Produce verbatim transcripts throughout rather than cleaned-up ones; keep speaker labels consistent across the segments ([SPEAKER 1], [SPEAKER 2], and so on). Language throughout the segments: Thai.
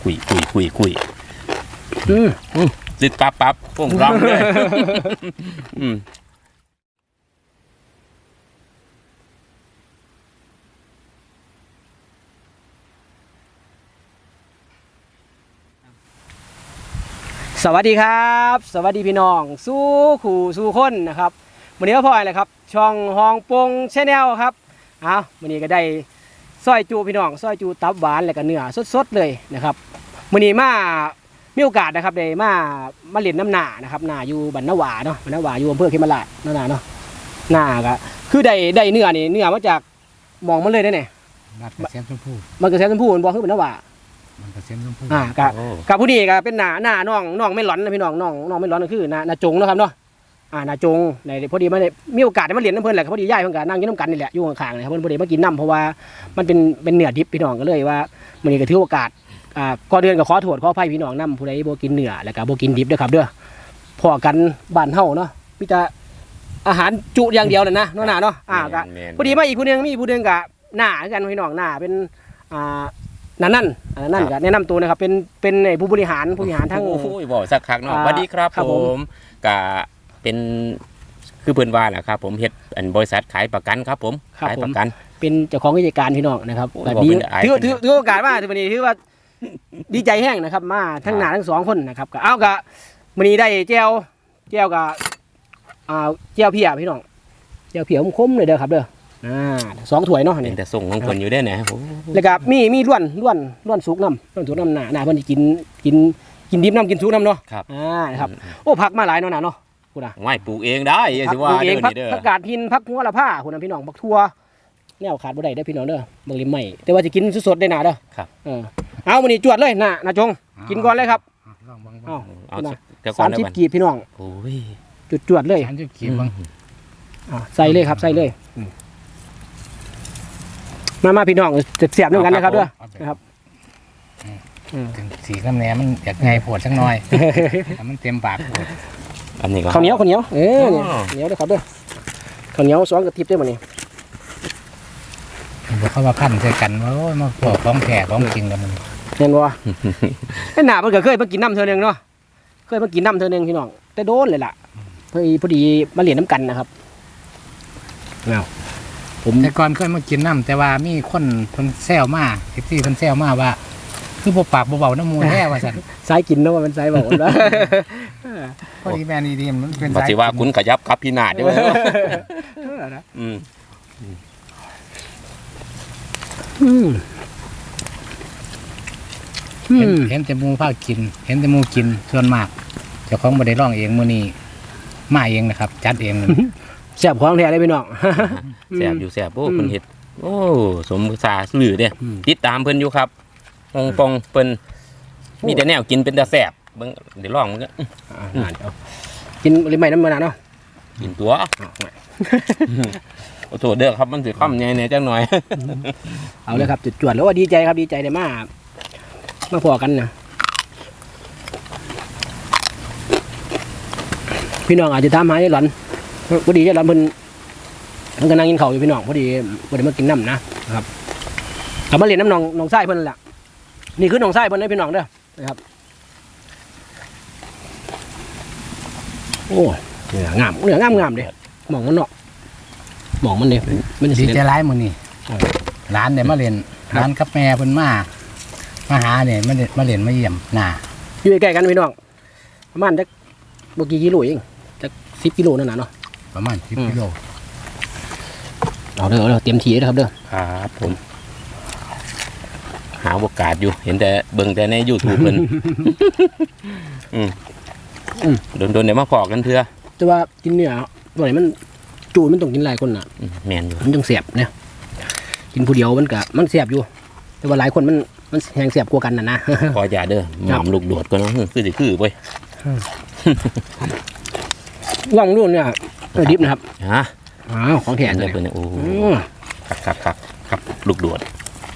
[SPEAKER 1] คุยคุยคุยคุยอืมอืมติดปั๊บปั๊บพุ่งร้องเลยอืม
[SPEAKER 2] สวัสดีครับสวัสดีพี่น้องสู้ขู่สู้คนนะครับวันนี้ก็พออะไรครับช่องฮองปงแชนแนลครับอ้าววันนี้ก็ได้ซอยจูพี่น้องซอยจูตับหวานและก็เนื้อสดๆเลยนะครับวันนี้มามีโอกาสนะครับได้มามาเล่นน้ำหนานะครับหนาอยู่บรรณวาเนาะบรรณวาอยู่อำเภอเขมราชนั่นน่ะเนาะหนาก็คือได้ได้เนื้อนี่เนื้อมาจากมองมันเลยได้เนี่ย
[SPEAKER 3] นัดกระเซ็นชมพู
[SPEAKER 2] มันก็แซ่บชมพูมันบอกคือบรรณวา
[SPEAKER 3] มันกระเซ็นชมพู
[SPEAKER 2] อ่ากับกับผู้นี้ก็เป็นหน้าหน้าน้องน้องไม่ร้อนนะพี่น้องน้องน้องไม่ร้อนก็คือหน้าหน้าจงนะครับเนาะอ่าหน้าจงในพอดีมาได้มีโอกาสได้มาเรียนน้ำเพลินแหละพอดีย่ายเพิ่นก็นั่งอยู่น้ำกันนี่แหละอยู่ข้างๆนะครับเพิ่นพอดีมากินน้ำเพราะว่ามันเป็นเป็นเนื้อดิบพี่น้องก็เลยว่ามื้อนี้ก็ถือโอกาสอ่าก่อนเดือนก็ขอโทษขออภัยพี่น้องนํผู้ใดบ่กินเนื้อแล้วก็บ่กินดิบเด้อครับเด้อพอกันบ้านเฮาเนาะมีแต่อาหารจุอย่างเดียวนั่นนะเนาะหน้าเนาะอ่าก็พอดีมาอีกผู้นึงมีผู้นึงก็หน้าคือกันพี่น้องหน้าเป็นอ่านั่นนั่นนั่นก็แนะนำตัวนะครับเป็นเป็นผู้บริหารผู้บริหารทั้ง
[SPEAKER 1] โอ้ยบอกสักครั้งเนาะสวัสดีครับผมกะเป็นคือเพื่อนว่าแหละครับผมเฮ็ดอันบริษัทขายประกันครับผมขายประกัน
[SPEAKER 2] เป็นเจ้าของกิจการพี่น้องนะครับดีถือถือถือโอกาสมาถือวันนี้ถือว่าดีใจแห้งนะครับมาทั้งหน้าทั้งสองคนนะครับก็เอากะวันนี้ได้แก้วแก้วกับอ่าแก้วเพียพี่น้องแก้วเพียคมๆเลยเด้อครับเด้ออ่าสองถ้วยเนาะนี่
[SPEAKER 1] แต่ส่งของคนอยู่ได้ไหน
[SPEAKER 2] แล้วก็มีมีล้วนล้วนล้วนสุกน้ำล้วนสุกน้ำหนาหนาเพิ่นกินกินกินดิบน้ำกินสุกน้ำเนาะ
[SPEAKER 1] ครับ
[SPEAKER 2] อ่าครับโอ้ผักมาหลายเนาะหนาเนาะคุณอ่ะ
[SPEAKER 1] ไม่ปลูกเองได้สิว่าเด้อนี่เด้อ
[SPEAKER 2] ผักกาดหินผักหัวละผ้าคุณพี่น้องบักทั่วแนวขาดบ่ได้เด้อพี่น้องเด้อบักลิมใหม่แต่ว่าจะกินสดๆได้หนาเด้อ
[SPEAKER 1] ครับ
[SPEAKER 2] เออเอามื้อนี้จวดเลยน่ะน่ะจงกินก่อนเลยครับเอา
[SPEAKER 1] เอา
[SPEAKER 2] สามสิบกีบพี่น้อง
[SPEAKER 1] โอ้ย
[SPEAKER 2] จุดจวดเลย
[SPEAKER 3] สามสิบกีบบ้าง
[SPEAKER 2] ใส่เลยครับใส่เลยมามาพี่น้องจะเสียบด้วยกันนะครับด้วยนะครับ
[SPEAKER 3] สีน้ำแหนมมันอยากไงปวดสักหน่อยมันเต็มปากปวด
[SPEAKER 1] อันนี้ก็
[SPEAKER 2] ข้าวเหนียวข้าวเหนียวเออเหนียวด้วยครับด้วยข้าวเหนียวสองกระติบด้วยมันนี่
[SPEAKER 3] บอกเขาว่าพันใส่กันว่ามาปอกของแผลของจริงกันมัน
[SPEAKER 2] เห็นบ่ไอ้หนาเพิ่นก็เคยมากินน้ำเธอหนึ่งเนาะเคยมากินน้ำเธอหนึ่งพี่น้องแต่โดนเลยล่ะพอดีพอดีมาเรียนน้ำกันนะครับเอา
[SPEAKER 3] ผมแต่ก่อนเคยมากินน้ำแต่ว่ามีคนคนแซวมาเอฟซีคนแซวมาว่าคือพวกปากเบาๆน้ำมูแท้ว่าสัน
[SPEAKER 2] สายกินเนาะว่ามันสายเบาแล้ว
[SPEAKER 3] พอดีแมนดีๆมันเป็น
[SPEAKER 1] สายว่าคุณขยับครับพี่นาดด้วยอืม
[SPEAKER 3] เห็นแต่มูผ้ากินเห็นแต่มูกินส่วนมากเจ้าของบ่ได้ร้องเองมื้อนี้มาเองนะครับจัดเอง
[SPEAKER 2] แซ่บของแท้เลยพี่น้อง
[SPEAKER 1] แซ่บอยู่แซ่บโอ้เพิ่นเฮ็ดโอ้สมสาสื่อเด้ติดตามเพิ่นอยู่ครับฮงปงเพิ่นมีแต่แนวกินเป็นตาแซ่บเบิ่งเดี๋ยวลองมันก็
[SPEAKER 2] กินริมใหม่น้ำมันเนาะ
[SPEAKER 1] กินตัวโอ้โหเด้อครับมันสิค่ำใหญ่แน่จังหน่อย
[SPEAKER 2] เอาเลยครับจุดจวดแล้วว่าดีใจครับดีใจได้มากมาพอกันนะพี่น้องอาจจะถามหาได้หลอนพอดีได้หลอนเพิ่นมันก็นั่งกินข้าวอยู่พี่น้องพอดีพอดีมากินน้ำนะครับกลับมาเรียนน้ำน้องน้องไส้เพิ่นแหละนี่คือน้องไส้เพิ่นได้พี่น้องเด้อนะครับโอ้เนื้องามเนื้องามงามเด้หมองมันเนาะหมองมันเด้
[SPEAKER 3] มันดีใจร้ายมื้อนี้ร้านเนี่ยมาเรียนร้านกับแม่เพิ่นมามาหาเนี่ยมามาเรียนมาเยี่ยมหน้า
[SPEAKER 2] อยู่ใกล้กันพี่น้องประมาณจักบ่กี่กิโลเองจักสิบกิโลนั่นน่ะเนาะ
[SPEAKER 3] ประมาณสิบกิโล
[SPEAKER 2] เอาเด้อเอาเด้อเตรียมทีนะครับเด้อ
[SPEAKER 1] ครับผมหาโอกาสอยู่เห็นแต่เบิ่งแต่ใน YouTube เพิ่นอืมอืมโดนๆเดี๋ยวมาขอกันเถอะ
[SPEAKER 2] แต่ว่ากินเนื้อบ่ได้มันจูมันต้องกินหลายคนน่ะ
[SPEAKER 1] แม่นอยู่
[SPEAKER 2] มันจังแซ่บเนี่ยกินผู้เดียวมันก็มันแซ่บอยู่แต่ว่าหลายคนมันมันแห้งแซ่บกว่ากันน่ะนะ
[SPEAKER 1] ขออย่าเด้อหม่ำลูกโดดก็เนาะคือสิคือเว้ย
[SPEAKER 2] ลองดูเนี่ยดิบนะครับ
[SPEAKER 1] ฮะ
[SPEAKER 2] อ้าวของแท้เลย
[SPEAKER 1] โอ้ครับครับครับลูกโดด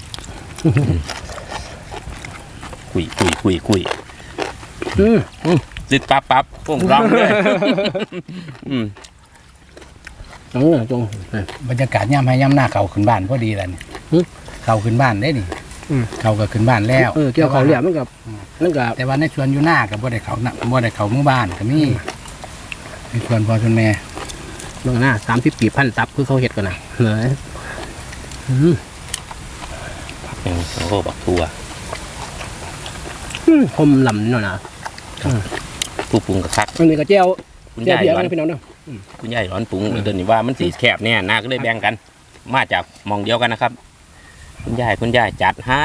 [SPEAKER 1] คุยคุยคุยคุยอืมติดปั๊บปั๊บพุ่งร้องเลยอืม
[SPEAKER 2] น้องจง
[SPEAKER 3] บรรยากาศย่ำให้ย่ำหน้าเก่าขึ้นบ้านพอดีแล้วเนี่ยเก่าขึ้นบ้านได้นี่
[SPEAKER 2] อืม
[SPEAKER 3] เขาก็ขึ้นบ้านแล้ว
[SPEAKER 2] เออเกี่ยวเขาเหลี่ยมมันกับนั่นกับ
[SPEAKER 3] แต่ว่าในสวนอยู่หน้ากับบ่ได้เขานะบ่ได้เขาหมู่บ้านก็มีในสวนพ่อสวนแม่
[SPEAKER 2] เบื้องหน้าสามสิบปีพันตับคือเขาเห็ดกันนะเลยอืม
[SPEAKER 1] ยังโอ้โหบักทั่ว
[SPEAKER 2] อืมคมลำนิดหน่อยนะ
[SPEAKER 1] ผู้ปรุงกระคัก
[SPEAKER 2] อันนี้ก็เจียว
[SPEAKER 1] คุณ
[SPEAKER 2] เจียวย
[SPEAKER 1] าย
[SPEAKER 2] เบียร์
[SPEAKER 1] ร้อน
[SPEAKER 2] กันพี่น้องเนาะ
[SPEAKER 1] คุณยายร้อนปรุงเดี๋ยวนี้ว่ามันสีแคบเนี่ยนาก็เลยแบ่งกัน มาจากหมองเดียวกันนะครับ คุณยายคุณยายจัดให้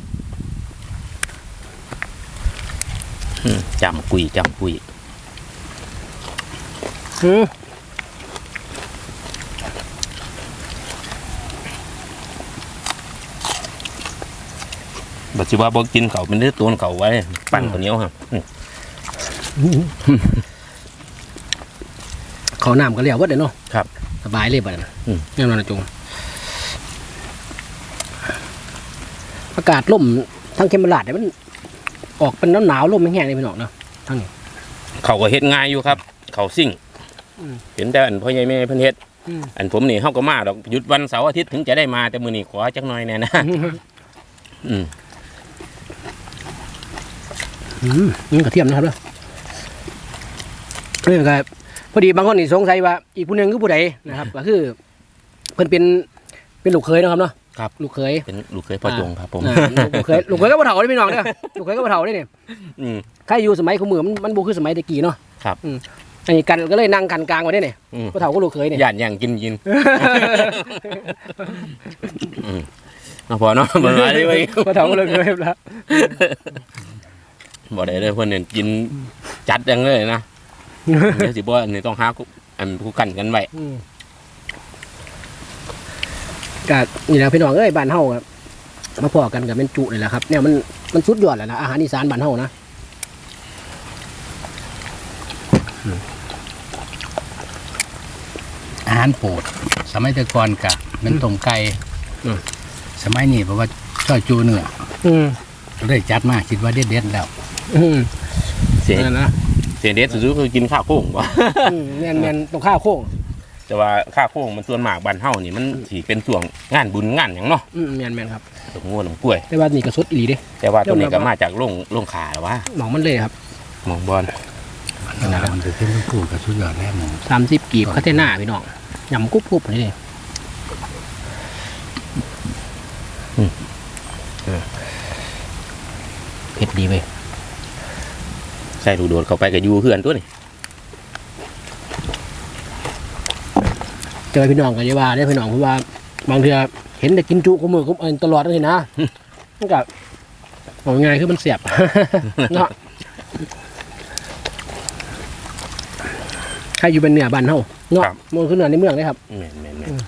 [SPEAKER 1] อืมจำกุยจำกุย
[SPEAKER 2] อืม
[SPEAKER 1] บอกสิว่าบอกกินเขาเป็นเนื้อตัวเขาไว้ ปั่นข้าวเหนียวครับอืม
[SPEAKER 2] เขาน้ำก็เลี้ยววัดเลยเนาะ
[SPEAKER 1] ครับ
[SPEAKER 2] สบายเลยบัดนั้น
[SPEAKER 1] อืม
[SPEAKER 2] แน่นอนนะจงอากาศล่มทั้งเคมราดเนี่ยมันออกเป็นหนาวๆล่มแห้งๆเลยพี่น้องเนาะทั้งนี้
[SPEAKER 1] เขาก็เฮ็ดง่ายอยู่ครับ เขาซิ่ง
[SPEAKER 2] อืม
[SPEAKER 1] เห็นแต่อันพ่อใหญ่แม่เพิ่นเฮ็ด
[SPEAKER 2] อืม
[SPEAKER 1] อันผมนี่เฮาก็มาดอกหยุดวันเสาร์อาทิตย์ถึงจะได้มาแต่มื้อนี้ขอจักหน่อยแน่นะ อืม
[SPEAKER 2] อืมนี่กระเทียมนะครับเด้อนี่ก็พอดีบางคนนี่สงสัยว่าอีกผู้หนึงคือผู้ใดนะครับ ก็คือเพิ่นเป็นเป็นลูกเขยนะครับเนาะ
[SPEAKER 1] ครับ
[SPEAKER 2] ลูกเขย
[SPEAKER 1] เป็นลูกเคยพ่อจงครับผม
[SPEAKER 2] อ่าลูกเขยลูกเขยก็บ่เฒ่าได้พี่น้องเด้อลูกเขยก็บ่เฒ่าได้เนี่ย
[SPEAKER 1] อืม
[SPEAKER 2] ใครอยู่สมัยขมือมันมันบ่คือสมัยตะกี้เนาะ
[SPEAKER 1] ครับ
[SPEAKER 2] อืมอันนี้กันก็เลยนั่งกันกลางไว้ได้เนี่ย
[SPEAKER 1] อืม
[SPEAKER 2] บ่เฒ่าก็ลูกเขยเนี่ย
[SPEAKER 1] ย่านย่างกินกินอืมเอาพอเนาะบ่ได้เลยเว้ย
[SPEAKER 2] บ่เฒ่าก็ลูกเขยแล้ว
[SPEAKER 1] บ่ได้เลยเพิ่นเนี่ยกินจัดจังเลยนะเดี๋ยวสิบ่อันนี้ต้องหาคู่อันคู่กันกันไว้
[SPEAKER 2] อืมก็นี่แหละพี่น้องเอ้ยบ้านเฮาครับมาพอกันกับเป็นจุเลยแหละครับเนี่ยมันมันสุดยอดแล้วนะอาหารอีสานบ้านเฮานะ
[SPEAKER 3] อาหารโปรดสมัยแต่ก่อนกะมันต้มไก่สมัยนี้เพราะว่าช่อยจูเนื้อ
[SPEAKER 2] อืม
[SPEAKER 3] เลยจัดมาคิดว่าเด็ดๆแล้ว
[SPEAKER 2] อืม
[SPEAKER 1] เสีย
[SPEAKER 2] นั่นนะ
[SPEAKER 1] เสียเด็ดสุดๆคือกินข้าวโค้งบ่
[SPEAKER 2] อืมแม่นแม่นตรงข้าวโค้ง
[SPEAKER 1] แต่ว่าข้าวโค้งมันส่วนมากบ้านเฮานี่มันสิเป็นช่วงงานบุญงานหยังเนาะ
[SPEAKER 2] อืมแม่นแม่นครับ
[SPEAKER 1] หลงงัวหลงกล้วย
[SPEAKER 2] แต่ว่านี่ก็สดอีหลีเด้
[SPEAKER 1] แต่ว่าตัวนี้ก็มาจากโรงโรงขาแล้ววะ
[SPEAKER 2] หมองมันเลยครับ
[SPEAKER 1] หมองบอล
[SPEAKER 3] นะครับมันจะขึ้นเป็นผู้กับสุดยอดแล้วหมู
[SPEAKER 2] สามสิบกีบคาเทน่าพี่น้องยำกรุบกรุบนี่เลยเผ็ดดีเว้ย
[SPEAKER 1] ใส่ลูกโดดเข้าไปก็อยู่เพื่อนตัวนี่
[SPEAKER 2] เจอพี่น้องกันเยาว่าได้พี่น้องเพราะว่าบางเทื่อเห็นแต่กินจุกุมือกุมเอินตลอดเลยนะมันก็บอกยังไงคือมันเสียบ เนาะใครอยู่เป็นเหนือบ้านเฮาเนาะมันคือเหนือในเมืองเลยครับ
[SPEAKER 1] แม่นแม่นแม่น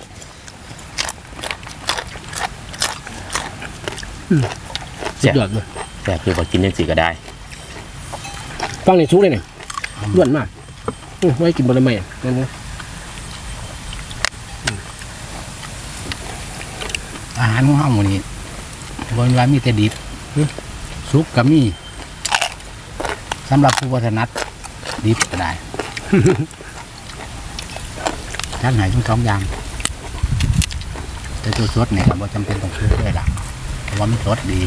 [SPEAKER 2] สุดยอดเลย
[SPEAKER 1] แต่คือพอกินยังสิก็ได้
[SPEAKER 2] ฟังในซุกเลยเนี่ยล้วนมากอื้อไว้กินบะหมี่นั่นนะ
[SPEAKER 3] อาหารของเฮาหมูนี้บนว่ามีแต่ดิบซุปก็มีสำหรับผู้วัฒนัดดิบก็ได้ ท่านหายทั้งสองอย่างแต่ตัวสดเนี่ยก็บ่จำเป็นต้องซื้อเลยล่ะเพราะว่ามันสดดี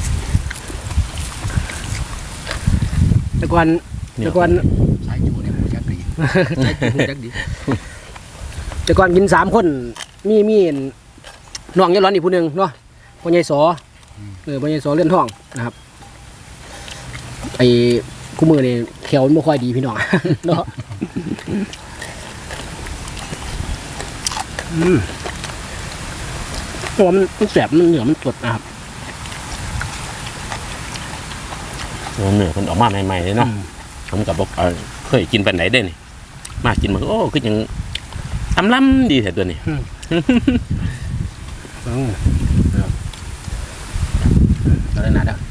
[SPEAKER 2] แต่ก่อนแต่ก่อน
[SPEAKER 3] สายจูเนี่ยมันจะดี
[SPEAKER 2] ใช่หูจักดีแต่ก่อนกินสามคนมีมีน้องยายร้อนอีกผู้หนึ่งเนาะพ่อใหญ่สอเออพ่อใหญ่สอเลื่อนท้องนะครับไอ้คู่มือนี่แขวมันไม่ค่อยดีพี่น้อง เนาะอืมเพราะว่ามันมันแสบมันเหนือมันสดนะครับ
[SPEAKER 1] เหนือมันออกมาใหม่ๆเลยเนาะผมกับบอกเออเคยกินปันไหนได้นี่มากินมันโอ้คือยังอำล้ำดีแต่ตัวนี้
[SPEAKER 2] อืมครับเราได้หนาด้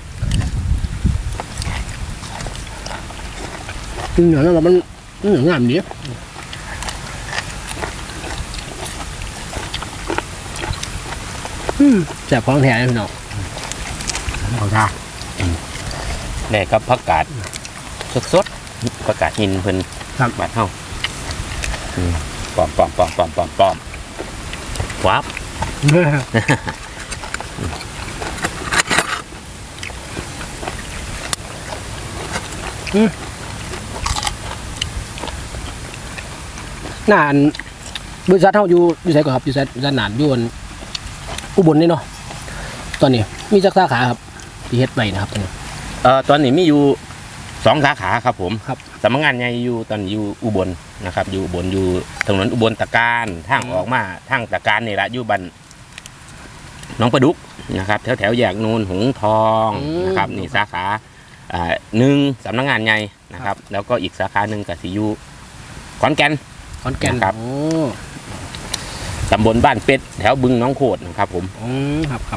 [SPEAKER 2] เหนือแล้วมันเหนืองามดีอืมแสบของแท้เลยพี่น้อง
[SPEAKER 3] เขาท่า
[SPEAKER 1] แลกกับผักกาดสดๆผักกาดหินเพิ่น
[SPEAKER 2] ครับ
[SPEAKER 1] บาดเฮาอืมปอมปอมปอมปอมปอมปอมวับ
[SPEAKER 2] นานบริษัทเฮาอยู่อยู่ไสก่อนครับอยู่ไสด้านนานอยู่อันอุบลนี่เนาะตอนนี้มีจักสาขาครับที่เฮ็ดไว้นะครับตอนนี้
[SPEAKER 1] เอ่อตอนนี้มีอยู่สองสาขาครับผม
[SPEAKER 2] ครับ
[SPEAKER 1] สำนักงานใหญ่อยู่ตอนนี้อยู่อุบลนะครับ อยู่อุบลอยู่ถนนอุบลตะการทางออกมาทางตะการนี่ละอยู่บันหนองประดุกนะครับ แถวแถวๆแยกนูนหงส์ทองนะครับนี่สาขาอ่าหนึ่งสำนักงานใหญ่นะครับ แล้วก็อีกสาขาหนึ่งกับสีอยู่ขอนแก่น
[SPEAKER 2] ขอนแก่น
[SPEAKER 1] ครับ
[SPEAKER 2] โอ้
[SPEAKER 1] ตำบลบ้านเป็ดแถวบึงหน้องโขดนะครับผม
[SPEAKER 2] อืมครับครับ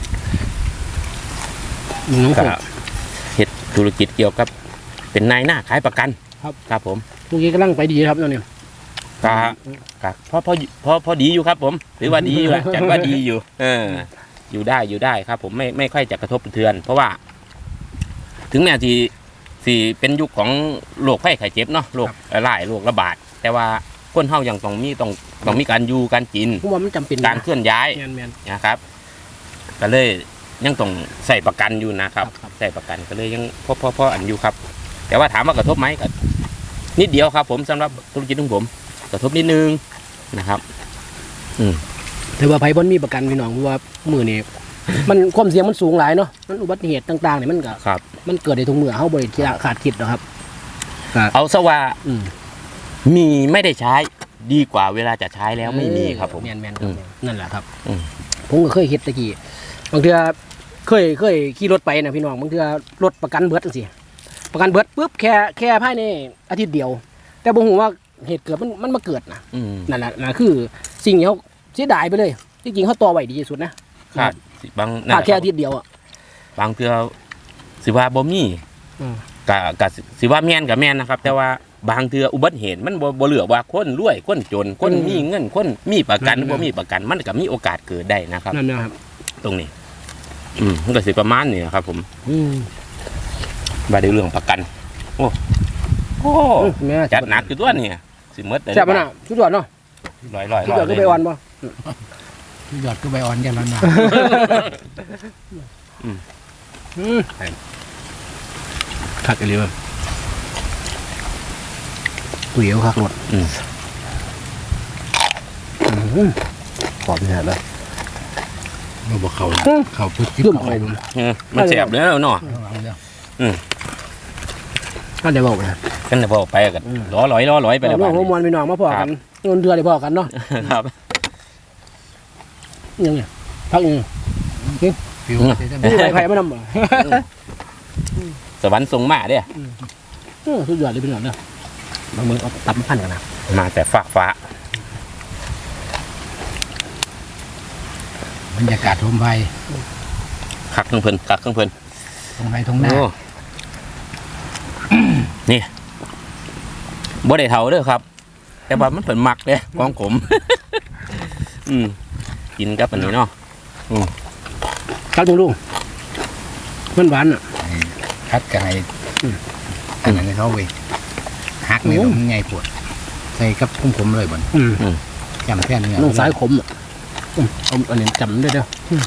[SPEAKER 2] มึงน้อง
[SPEAKER 1] ก็
[SPEAKER 2] ผม
[SPEAKER 1] เฮ็ดธุรกิจเกี่ยวกับเป็นนายหน้าขายประกัน
[SPEAKER 2] ครับ
[SPEAKER 1] ครับผม
[SPEAKER 2] พวกนี้กำลังไปดีครับตอนนี้
[SPEAKER 1] ก็ก็พอพอพอพอดีอยู่ครับผมหรือว่าดีอยู่แหละ จัดว่าดีอยู่ เออ อยู่ได้อยู่ได้ครับ ผมไม่ไม่ค่อยจะกระทบกระเทือน เพราะว่า ถึงแม้ที่สี่เป็นยุคของโรคไข้ไข้เจ็บเนาะโรคหลายโรคระบาด แต่ว่าคนเฮายังต้องมีต้องต้องมีการอยู่การกิน
[SPEAKER 2] ผมว่ามันจำเป็น
[SPEAKER 1] การเคลื่อนย้าย
[SPEAKER 2] แมนแมน
[SPEAKER 1] นะครับ ก็เลยยังต้องใส่ประกันอยู่นะครับ
[SPEAKER 2] ครับ
[SPEAKER 1] ใส่ประกันก็เลยยังพอพอพออันอยู่ครับ แต่ว่าถามว่ากระทบไหมก็นิดเดียวครับ ผมสำหรับธุรกิจของผม กระทบนิดนึงนะครับ
[SPEAKER 2] ถือว่าไผบ่มีประกันพี่น้องเพราะว่ามือนี่ มันความเสี่ยงมันสูงหลายเนาะมันอุบัติเหตุต่างๆเนี่ยมันก็
[SPEAKER 1] ครับ
[SPEAKER 2] มันเกิดได้ทุกเมื่อเฮาบ่ได้ขาดคิดหรอกครับก็
[SPEAKER 1] เอาซะว่า
[SPEAKER 2] อืม
[SPEAKER 1] มีไม่ได้ใช้ดีกว่าเวลาจะใช้แล้วไม่มีครับผม
[SPEAKER 2] แมนแมนๆค
[SPEAKER 1] อื
[SPEAKER 2] รับ
[SPEAKER 1] ม
[SPEAKER 2] นั่นแหละครับ
[SPEAKER 1] อืม
[SPEAKER 2] ผมก็เคยเฮ็ดตะกี้บางเทื่อเคยเคยขี่รถไปนะพี่น้องบางเทื่อรถประกันเบิดจังซี่ประกันเบิดปุ๊บแค่แค่ภายในอาทิตย์เดียว แต่บ่ฮู้ว่าเหตุเกิดมันมันมาเกิดนะ
[SPEAKER 1] อืม
[SPEAKER 2] นั่นแหละนั่นคือสิ่งที่เขาเสียดายไปเลยจริงๆเขาต่อไว้ดีที่สุดนะ
[SPEAKER 1] ขาดสิบาง
[SPEAKER 2] ขาดแค่อาทิตย์เดียวอ่ะ
[SPEAKER 1] บางเทื่อสิว่าบ่มี
[SPEAKER 2] อืม
[SPEAKER 1] กะกะสิว่าแม่นกับแม่นนะครับ แต่ว่าบางเทื่ออุบัติเหตุมันบ่บ่เหลือว่าคนรวยคนจนคนมีเงินคนมีประกันบ่มีประกันมันก็มีโอกาสเกิดได้นะครับ
[SPEAKER 2] นั่นนะครับ
[SPEAKER 1] ตรงนี้ อืมมันก็สิประมาณนี้นะครับ ผม
[SPEAKER 2] อืม
[SPEAKER 1] ว่าในเรื่องประกัน โอ้โอ้
[SPEAKER 2] แม่
[SPEAKER 1] จัดหนักอยู่ตัวนี่สิหมดได้
[SPEAKER 2] แซ่บปะน่ะชุดยอดเนาะ
[SPEAKER 1] ร้อยร้อย
[SPEAKER 2] ชุดยอดก็ไปอ่อนบ่
[SPEAKER 3] ยอดก็ใบอ่อนอย่างนั้นนะ
[SPEAKER 2] อืมคักอีหลีบ่ก๋วยเตี๋ยวคักรส
[SPEAKER 1] อืม
[SPEAKER 2] อืมกรอบแน่เลย
[SPEAKER 3] มาบอกเขาเขาพุทธิ
[SPEAKER 2] เริ่ม
[SPEAKER 3] เขา
[SPEAKER 2] ไป
[SPEAKER 3] เอา
[SPEAKER 1] เออมันแสบเลยเนาะ
[SPEAKER 3] เรื่อง
[SPEAKER 2] ก็ได้บอกนะ
[SPEAKER 1] กันแต่พอไปกันล้อร้อยล้อร้อยไปแล้ว
[SPEAKER 2] น้
[SPEAKER 1] บ้า
[SPEAKER 2] อง
[SPEAKER 1] น
[SPEAKER 2] หัวมวนพี่น้องมาพอกันเงินเดือนได้พอกันเนาะ
[SPEAKER 1] ครับ
[SPEAKER 2] ยังไงพักยัง
[SPEAKER 3] ฟิว
[SPEAKER 2] นี่ไผ่ไผ่มานำบ่
[SPEAKER 1] สวรรค์ทรงมาเด้
[SPEAKER 2] อืมสุดยอดเลยพี่น้องเนาะบางเมืองเอาตับมาพันกันนะ
[SPEAKER 1] มาแต่ฟ้าฟ้า
[SPEAKER 3] บรรยากาศทมไฟ
[SPEAKER 1] คักเครื่องเพลินคักเครื่องเพลิน
[SPEAKER 3] ทงไฟทงหน้า
[SPEAKER 1] โอ้ นี่บ่ได้เท่าเด้อครับ แต่ว่ามันเป็นหมักเด้ของผม อืมกินกับอันนี้เนาะ
[SPEAKER 2] ครับลุงลุงมันหวานอ่ะ
[SPEAKER 3] คัดกันให้อันนั้นให้เขาไปหักในตรงไงปวดใส่กับคุ้มผมเลยบ่น
[SPEAKER 2] อืม
[SPEAKER 3] จำแค่เนื้อ
[SPEAKER 2] น้องสายขมอ่ะอืมเอาอันนี้จำได้เด้ออืม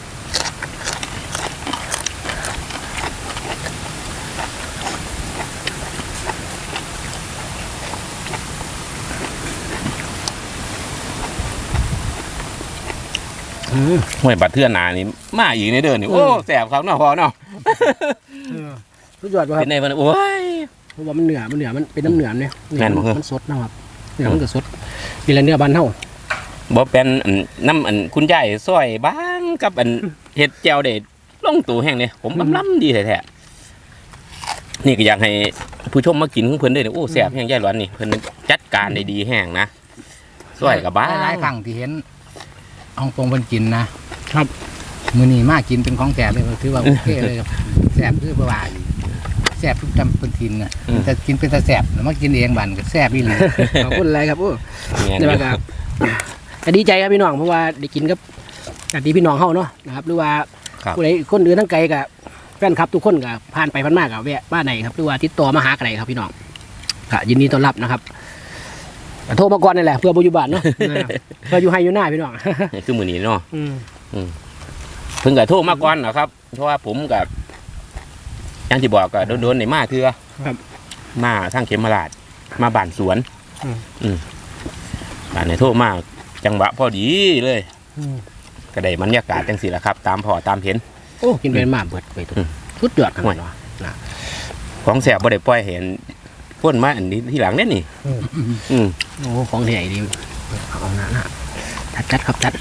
[SPEAKER 2] อืม
[SPEAKER 1] ห้วยบัดเทื่อหนานี่มาอีกในเดือนนี่โอ้แสบครับเนาะพอเนาะ
[SPEAKER 2] สุดยอดป่ะค
[SPEAKER 1] เป็
[SPEAKER 2] รับ
[SPEAKER 1] นในวันโอ้ย
[SPEAKER 2] เพราะว่ามันเหนือมันเหนือมันเป็นน้ำเหนือเนี่ย
[SPEAKER 1] แม่นบ่ครับ
[SPEAKER 2] มันสดนะครับเนื้อมันก็สดมีอะไรเนื้อบานเท่า
[SPEAKER 1] บ่เป็นอันน้ำอันคุณยายซอยบ้างกับอันเห็ดแจ่วเด็ดลงตู่แห้งเนี่ยผมล้ำๆดีแท้ๆนี่ก็อยากให้ผู้ชมมากินของเพิ่นด้วยเนี่ยโอ้แซ่บแห้งยายหลวนนี่เพิ่นจัดการได้ดีแห้งนะซอยกับบ้า
[SPEAKER 3] หลายๆครั้งที่เห็นฮ่องกงเพิ่นกินนะครับ มื้อนี้มากินเป็นของแสบเลยถือว่าโอเคเลยครับแสบคือบ่ว่าอีแสบทุกจำเป็นทินน่ะแต่กินเป็นตาแสบแล้วมากินเองบันก็แสบอีหลี
[SPEAKER 2] ขอบคุณอะไรครับโอ้
[SPEAKER 1] เนี่ย
[SPEAKER 2] นี่ว่าครับก็ดีใจครับพี่น้องเพราะว่าได้กินกับญาติพี่น้องเฮาเนาะนะครับหรือว่า
[SPEAKER 1] ครับ
[SPEAKER 2] ผู้ใดคนอื่นทั้งไกลกับแฟนคลับทุกคนก็ผ่านไปผ่านมากับแวะบ้านไหนครับหรือว่าติดต่อมาหากันไหนครับพี่น้องก็ยินดีต้อนรับนะครับก็โทรมาก่อนนี่แหละเพื่อบ่อยู่บ้านเนาะ นะครับเพื่ออยู่ให้อยู่หน้าพี่น้อง
[SPEAKER 1] นี่คือมื้อนี้เนาะ
[SPEAKER 2] อืม
[SPEAKER 1] เพิ่งก็โทรมาก่อนนะครับเพราะว่าผมกับอย่างที่บอกก็โดนๆในมาเทื่อ
[SPEAKER 2] ครับ
[SPEAKER 1] มาทางเขมราชมาบ้านสวน
[SPEAKER 2] อืม
[SPEAKER 1] อืมบ้านในโทษมาจังหวะพอดีเลยก็ได้บรรยากาศจังสิละครับ ตามพอตามเห็น
[SPEAKER 2] โอ้กินเป็นมาเบิดไปทุก
[SPEAKER 1] อืม
[SPEAKER 2] ชุดยอดขนาดนั้นนะ
[SPEAKER 1] ของแสบบ่ได้ปล่อยเห็นพ่นมาอันนี้ที่หลังเนี่ยนี่
[SPEAKER 2] อืม
[SPEAKER 1] อืม
[SPEAKER 2] โอ้ของใหญ่ดีเอาหน้าหน้าจัดจัดครับจัด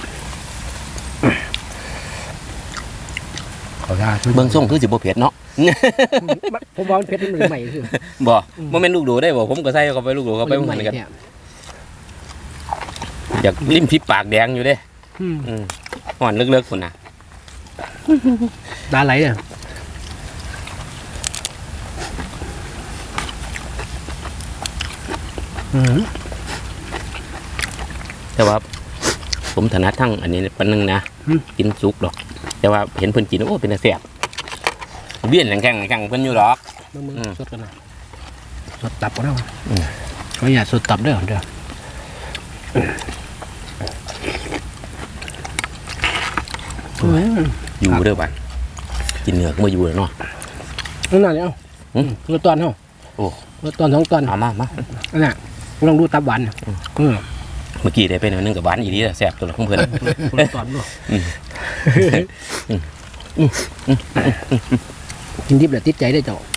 [SPEAKER 3] ขอทา
[SPEAKER 1] เบิ่งส่งคือสิบ่เผ็ดเนาะ
[SPEAKER 2] ผมว่ามันเผ็ดมันใหม่คือ
[SPEAKER 1] บ่บ่แม่นลูกโดได้บ่ผมก็ใส่เข้าไปลูกโดเข้าไปเหมือนกัน
[SPEAKER 2] เนี่ย
[SPEAKER 1] อยากลิ้มพิปากแดงอยู่เด้
[SPEAKER 2] อืม
[SPEAKER 1] อืมห่อนเลิกๆพุ่นน่ะ
[SPEAKER 2] ตาไหลเนี่ยอืม
[SPEAKER 1] แต่ว่า ผมถนัดทั้งอันนี้ปานนึงนะกินสุกดอก แต่ว่าเห็นเพิ่นกินโอ้เป็นตาแซ่บเบี้ยนแข็งๆแข็งเพิ่นอยู่ดอก
[SPEAKER 2] มึงมึง
[SPEAKER 1] อืม
[SPEAKER 2] สดกันนะสดตับก็ได้
[SPEAKER 1] อืม
[SPEAKER 2] เขาอยากสดตับเด้อเด้อ
[SPEAKER 1] อยู่เด้อบัดกินเนื้อก็มาอยู่แล้วเนาะ
[SPEAKER 2] นั่นน่ะเนี่ยเอา
[SPEAKER 1] อืม
[SPEAKER 2] รสตอนเนาะ
[SPEAKER 1] โอ้
[SPEAKER 2] รสตอนสองตอน
[SPEAKER 1] เอามามา
[SPEAKER 2] นั่นน่ะลองดูตับหวานอืม
[SPEAKER 1] เมื่อกี้ได้ไปหน่อยนึงกับหวานอีหลีแซ่บตัวละของเพิ่น
[SPEAKER 2] รสตอนด้วย
[SPEAKER 1] อืม
[SPEAKER 2] กินดิบแล้วติดใจได้อเจ้า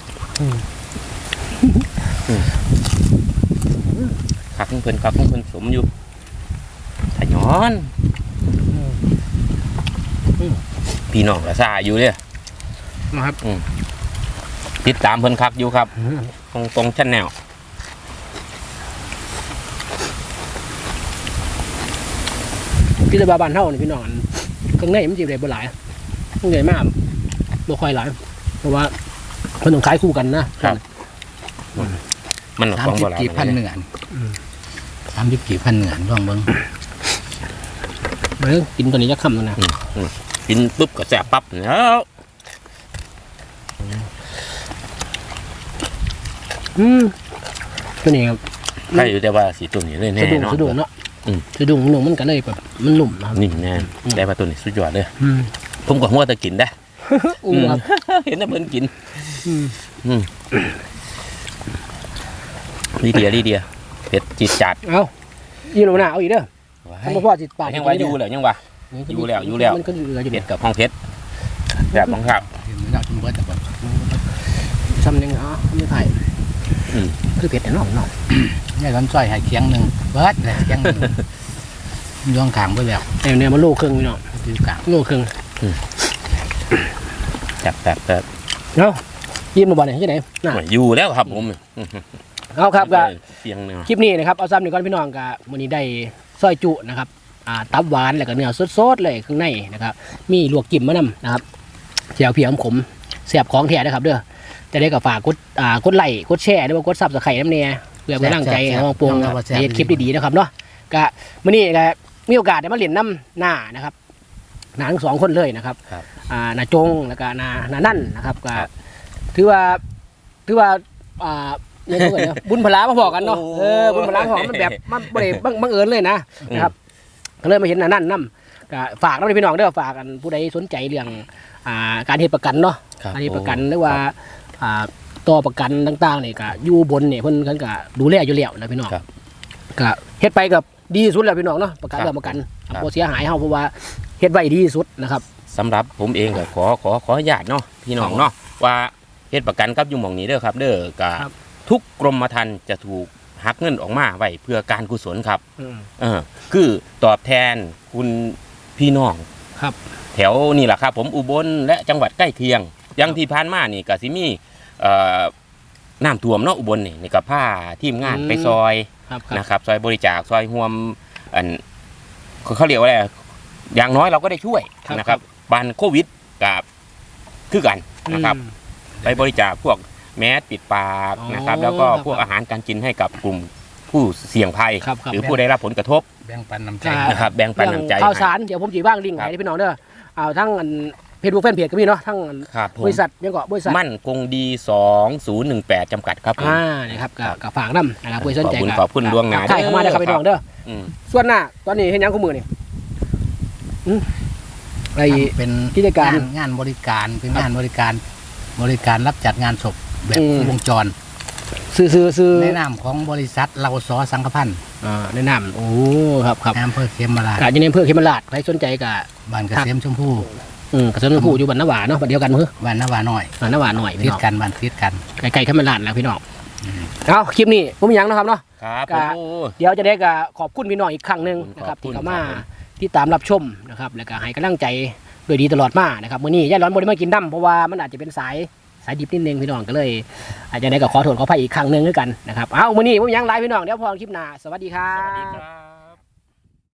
[SPEAKER 1] คักของเพิ่นคักของเพิ่นสมอยู่ถ้าย้อนพี่น้องก็ซ่าอยู่เด้อ
[SPEAKER 2] นะครับ
[SPEAKER 1] ติดตามเพิ่นคักอยู่ครับ ตรงตรงชั้นแนว
[SPEAKER 2] พี่ตาบาบานเท่านี่พี่น้องข้างในมันจีบได้บ่หลายข้างในมากบ่ค่อยหลายเพราะว่าเพิ่นต้องขายคู่กันนะครับ
[SPEAKER 1] มัน
[SPEAKER 3] สาม
[SPEAKER 1] ของ
[SPEAKER 3] สิ
[SPEAKER 1] โบ
[SPEAKER 3] บ
[SPEAKER 1] ราณ
[SPEAKER 3] กี่พันเหนือนสามสิบกี่พันเหนือนลองเบิ้ง
[SPEAKER 2] เบิ่งกินตัวนี้จะค่ำแล้วนะ
[SPEAKER 1] กินปุ๊บก็แซ่บปั๊บแล้ว
[SPEAKER 2] อืมตัวนี้ครับ
[SPEAKER 1] ใครอยู่แต่ว่าสีตัวนี้เลยแน่
[SPEAKER 2] สะดุ้ง
[SPEAKER 1] เนาะ
[SPEAKER 2] สะดุ้งเนาะ
[SPEAKER 1] อืม
[SPEAKER 2] สะดุ้งหนุ่มมันก็เลยแบบมันหนุ่มนะครับ
[SPEAKER 1] นิ่มแน่แต่ว่าตัวนี้สุดยอดเลย
[SPEAKER 2] อืม
[SPEAKER 1] ผมก็หัวแตะกินได้
[SPEAKER 2] อู้ครับ
[SPEAKER 1] เห็นแต่เพิ่นกิน
[SPEAKER 2] อืม
[SPEAKER 1] อืมลีเดียลีเดียเผ็ดจิตจัด
[SPEAKER 2] เอาอีโลน่าเอาอีกเด้อทำบ่พอจิตปาก
[SPEAKER 1] ยังว่าอยู่เหรอยังว่า อยู่แล้วอยู่แล้ว
[SPEAKER 2] มันก็เหลืออยู่
[SPEAKER 1] เผ็
[SPEAKER 2] เด็
[SPEAKER 1] ด
[SPEAKER 2] ด
[SPEAKER 1] กับห้องเผ็ดแบบของครับ
[SPEAKER 3] เห็นไหมล่ะคุณเบิร์ตแต่ก่อน
[SPEAKER 2] ซ้ำยังอ๋อไม่ไผ่
[SPEAKER 1] อืม
[SPEAKER 2] คือเผ็ดแต่น้องน้อง
[SPEAKER 3] นี่ร้อนซอยให้เคียงหนึ่งเบิร์ตเลยเคียงหนึ่งย่องขางไปแล้ว
[SPEAKER 2] แต่เนี่ยมันโลครึ่งพี่น้อง
[SPEAKER 3] คือกลาง
[SPEAKER 2] โลครึ่ง
[SPEAKER 1] จับแบบแบบ
[SPEAKER 2] เนาะยิ้มมาบ่เนี่ยที่ไหนน่ะ
[SPEAKER 1] อยู่แล้วครับผม
[SPEAKER 2] เอาครับก็
[SPEAKER 1] เสียงเนาะ
[SPEAKER 2] คลิปนี้นะครับเอาซ้ำหนึ่งก้อนพี่น้องกับวันนี้ได้ซอยจุนะครับอ่าตับหวานแล้วก็เนื้อสดๆเลยข้างในนะครับมีลวกจิ้มมะนำนะครับเจียวเพียมขมเสียบของแท้นะครับเด้อจะได้กับฝากกดอ่ากดไลค์กดแชร์หรือว่ากดซับสไครต์น้ำเนี่ยเพื่อเป็นกำลังใจให้น้องปวงในคลิปดีๆนะครับเนาะก็วันนี้ก็มีโอกาสได้มาเรียนน้ำหน้านะครับหน้าทั้งสองคนเลยนะครับอ่าหน้าจงแล้วก็หน้าหน้านั่นนะครับก็ถือว่าถือว่าอ่าเนี่ยเท่าไหร่เนาะบุญพลามาบอกกันเนาะเออบุญพลามาบอกมันแบบมันบ่ได้บังบังเอิญเลยนะนะครับก็เลยมาเห็นหน้านั่นนํก็ฝากน้องพี่น้องเด้อฝากกันผู้ใดสนใจเรื่องอ่าการเฮ็ดประกันเนาะการเฮ็ดประกันหรือว่าอ่าต่อประกันต่างๆนี่ก็อยู่บนเนี่ยเพิ่นเพิ่นก็ดูแลอยู่แล้วนะพี่น้องก็เฮ็ดไปกับดีที่สุดแล้วพี่น้องเนาะประกันเรื่องประกันบ่เสียหายเฮาเพราะว่าเฮ็ดไว้ดีที่สุดนะครับ
[SPEAKER 1] สำหรับผมเองก็ขอขอขออนุญาตเนาะพี่น้องเนาะว่าเฮ็ดประกันกับอยู่หม่องนี้เด้อครับ เด้อก็ทุกกรมธรรม์จะถูกหักเงินออกมาไว้เพื่อการกุศลครับ
[SPEAKER 2] อืม
[SPEAKER 1] เออคือตอบแทนคุณพี่น้อง
[SPEAKER 2] ครับ
[SPEAKER 1] แถวนี่แหละครับผมอุบลและจังหวัดใกล้เคียงอยังที่ผ่านมานี่ก็สิมีเอ่อน้ำท่วมเนาะอุบลนี่นี่ก็พาทีมงานไปซอย
[SPEAKER 2] ครับครับ
[SPEAKER 1] นะครับซอยบริจาคซอยห่วมอันเขาเขาเรียกว่าอะไรอย่างน้อยเราก็ได้ช่วยนะครับบ้านโควิดกับคือกันนะครับ
[SPEAKER 2] อืม
[SPEAKER 1] ไปบริจาคพวกแมสปิดปาก
[SPEAKER 2] อ๋อ
[SPEAKER 1] นะครับ แล้วก็พวก
[SPEAKER 2] ครับ
[SPEAKER 1] อาหารการกินให้กับกลุ่มผู้เสี่ยงภัย
[SPEAKER 2] ครับครับ
[SPEAKER 1] หรือผู้ได้รับผลกระทบ
[SPEAKER 3] แบ่งปันน้ำใจ
[SPEAKER 2] ครับ
[SPEAKER 1] นะครับแบ่งปันน้ำใจ
[SPEAKER 2] ข่าวสารเดี๋ยวผมจีบ้างลิงก์
[SPEAKER 1] ครับ
[SPEAKER 2] ให้พี่น้องเด้อเอาทั้งเพจบุ๊กแฟนเพจก็มีเนาะทั้งอัน
[SPEAKER 1] ครับผม
[SPEAKER 2] บริษัทยังก็บริษัท
[SPEAKER 1] มั่นคงดีสองศูนย์หนึ่งแปดจำกัดครับผม
[SPEAKER 2] อ่านะครับกับกับฝากน้ำนะครับเพื่อสนใจ
[SPEAKER 1] ขอบคุณ
[SPEAKER 2] กับ
[SPEAKER 1] ขอบคุณล่วงหน้า
[SPEAKER 2] ใช่เข้ามาได้อครับ
[SPEAKER 1] เด้อ
[SPEAKER 2] พี่น้องเด้อ
[SPEAKER 1] อืม
[SPEAKER 2] ส่วนหน้าตอนนี้เห็นยังคู่มือนี่อืมไอ้
[SPEAKER 3] เป็น
[SPEAKER 2] กิจการ
[SPEAKER 3] งนงานบริการเป็นงานบริการ บริการรับจัดงานศพแบบ
[SPEAKER 2] อืม
[SPEAKER 3] วงจร
[SPEAKER 2] สซื้อซื้อซื้อ
[SPEAKER 3] ในนามของบริษัทเราสอสังฆพันธ์
[SPEAKER 2] อ่าแนะนำโอ้ครับครับ
[SPEAKER 3] อำเภอเขมราช
[SPEAKER 2] กะอยู่ในอำเภอเขมราชใครสนใจกะ
[SPEAKER 3] บ้านเกษมชมพู่
[SPEAKER 2] อืมกระทรวงผู้อยู่บ้านนาหวาเนาะบ้านเดียวกันมื้อ
[SPEAKER 3] บ้านนาวาน้อย
[SPEAKER 2] บ้านนาหวาหน่อย
[SPEAKER 3] ติ
[SPEAKER 2] พี่
[SPEAKER 3] ด
[SPEAKER 2] น้อง
[SPEAKER 3] กันบ้านติดกัน
[SPEAKER 2] ไกลๆเขมราชแล้วพี่น้องเอาคลิปนี้ผมมีหยังนะครับเนาะ
[SPEAKER 1] ครับ
[SPEAKER 2] กะ
[SPEAKER 1] โอ้
[SPEAKER 2] เดี๋ยวจะได้กะขอบคุณพี่น้องอีกครั้งหนึงนะครับ
[SPEAKER 1] ขอบคุณ
[SPEAKER 2] ที่เข้ามา
[SPEAKER 1] ครับผม
[SPEAKER 2] ที่ตามรับชมนะครับแล้วก็ให้กำลังใจโดยดีตลอดมานะครับมื้อนี้ยายร้อนบ่ได้มากินน้ำเพราะว่ามันอาจจะเป็นสายสายดิบนิดนึงพี่น้องก็เลย อาจจะได้ก็ขอโทษขออภัยอีกครั้งหนึงด้วยกันนะครับเอามื้อนี้ผมมีหยังไลฟ์พี่น้องเดี๋ยวพอคลิปหน้าสวัสดีครั
[SPEAKER 1] สวัสดี
[SPEAKER 2] บ
[SPEAKER 1] ครับ